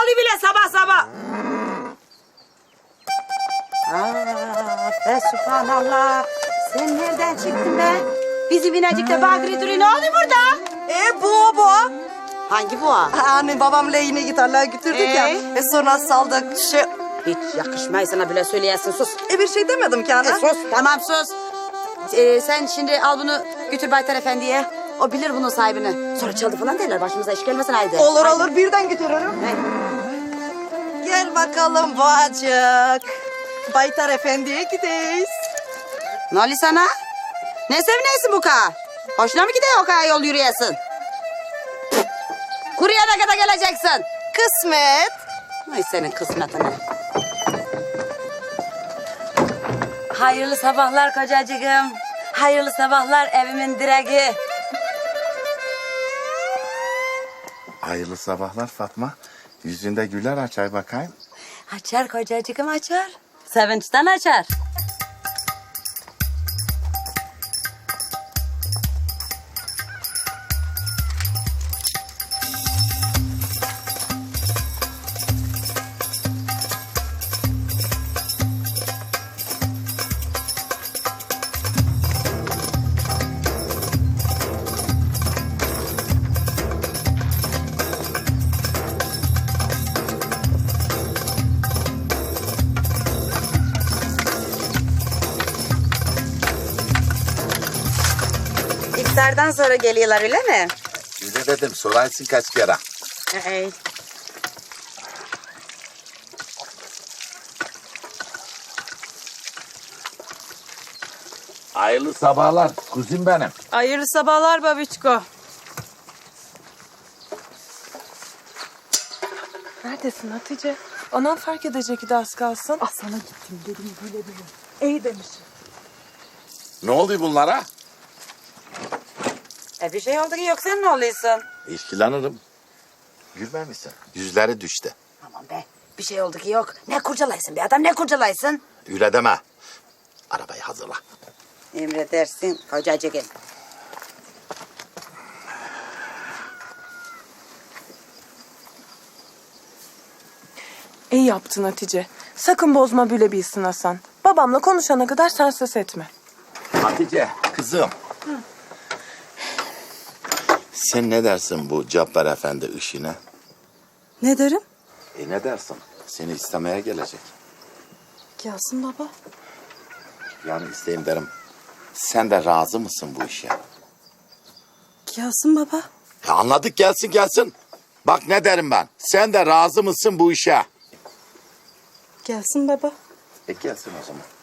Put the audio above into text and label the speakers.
Speaker 1: oluyor bile sabah sabah? Be subhanallah. Sen nereden çıktın be? Bizim binecikte Badri duruyor. Ne oluyor burada?
Speaker 2: Bu.
Speaker 1: Hangi boğa?
Speaker 2: Hani babamla yine gitarlar götürdük ya. Sonra saldık.
Speaker 1: Hiç yakışmay sana bile söyleyesin, sus.
Speaker 2: Bir şey demedim ki ana.
Speaker 1: Sus, tamam sus. Sen şimdi al bunu götür Baytar Efendi'ye. O bilir bunun sahibini. Sonra çaldı falan derler, başımıza iş gelmesin haydi.
Speaker 2: Olur birden götürürüm.
Speaker 1: Hey.
Speaker 2: Gel bakalım bacık. Baytar Efendi'ye gideyiz.
Speaker 1: Ne oluyor sana? Ne sevineysin bu kadar? Hoşuna mı gidiyor o kadar yol yürüyesin? Kuruya ne kadar geleceksin?
Speaker 2: Kısmet.
Speaker 1: Ay senin kısmetine. Hayırlı sabahlar kocacığım. Hayırlı sabahlar evimin direği.
Speaker 3: Hayırlı sabahlar Fatma. Yüzünde güler açay bakayım.
Speaker 1: Açar kocacığım açar. Sevinçten açar. İftardan sonra geliyorlar öyle mi?
Speaker 3: Size dedim sorarsın kaç kere.
Speaker 1: Hey.
Speaker 3: Hayırlı sabahlar kuzim benim.
Speaker 4: Hayırlı sabahlar babiçko. Neredesin Hatice? Anam fark edecek ki de az kalsın. Ah sana gittim dedim bile. İyi demişsin.
Speaker 3: Ne oluyor bunlara?
Speaker 1: Bir şey oldu ki yok sen ne oluyorsun?
Speaker 3: İşkilanırım. Gülme misin? Yüzleri düştü.
Speaker 1: Aman be bir şey oldu ki yok. Ne kurcalaysın bir adam ne kurcalaysın?
Speaker 3: Öyle deme. Arabayı hazırla.
Speaker 1: Emredersin kocacığım.
Speaker 4: İyi yaptın Hatice. Sakın bozma bile bilsin Hasan. Babamla konuşana kadar sen ses etme.
Speaker 3: Hatice kızım. Sen ne dersin bu Cabbar Efendi işine?
Speaker 2: Ne derim?
Speaker 3: Ne dersin? Seni istemeye gelecek.
Speaker 2: Gelsin baba.
Speaker 3: Yani isteyeyim derim. Sen de razı mısın bu işe?
Speaker 2: Gelsin baba.
Speaker 3: Ya anladık gelsin. Bak ne derim ben. Sen de razı mısın bu işe?
Speaker 2: Gelsin baba.
Speaker 3: Gelsin o zaman.